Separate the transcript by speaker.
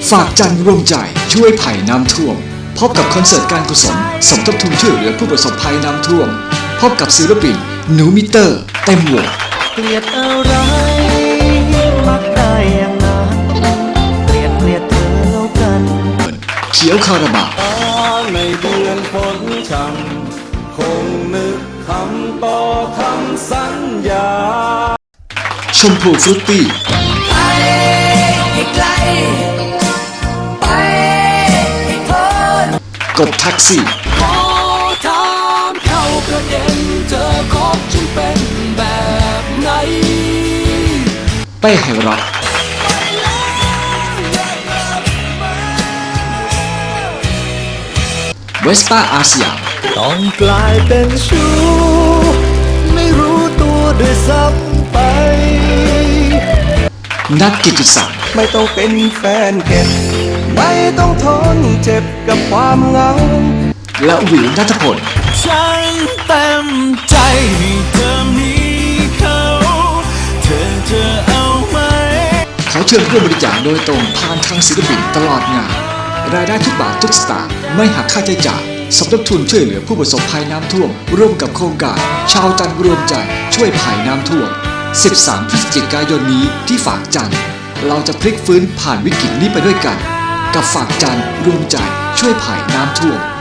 Speaker 1: ฝากจันร่วมใจช่วยภัยน้ำท่วมพบกับคอนเสิร์ตการกุศลสมทบทุนช่วยเหลือผู้ประสบภัยน้ำท่วมพบกับศิลปินหนูมิเตอร์เต็มวง
Speaker 2: เกลียดอะไรมักได้อย่างนั้นเกลียดเธอแล้วกัน
Speaker 1: เขียวคาราบาว
Speaker 2: ในเดือนฝนช่ำคงนึกคำต่อคำสัญญา
Speaker 1: ชมพูฟรุตตี้
Speaker 2: ไปให้ไกลไปให้พ้น
Speaker 1: กบแท็กซี่
Speaker 2: ขอถามเข้าประเด็นเธอคบฉันเป็นแบบไหน
Speaker 1: เป้ไฮร็อกเวสป้าอาสยาม
Speaker 2: ต้องกลายเป็นชู้ไม่รู้ตัวด้วยซ้ำไป
Speaker 1: นักกิติศักดิ์
Speaker 2: ไม่ต้องเป็นแฟนเก็บไม่ต้องทนเจ็บกับความเหงา
Speaker 1: และวิวณัฐพล
Speaker 2: ฉันเต็มใจให้เธอมีเขาเธอเอาไหม
Speaker 1: ขอเชิญร่วมบริจาคโดยตรงผ่านทางศิลปินตลอดงานรายได้ทุกบาททุกสตางค์ไม่หักค่าใช้จ่ายสมทบทุนช่วยเหลือผู้ประสบภัยน้ำท่วมร่วมกับโครงการชาวจันทร์รวมใจช่วยภัยน้ำท่วม13 พฤศจิกายนนี้ที่ฝากจันทร์เราจะพลิกฟื้นผ่านวิกฤตนี้ไปด้วยกันกับฝากจันทร์รวมใจช่วยภัยน้ำท่วม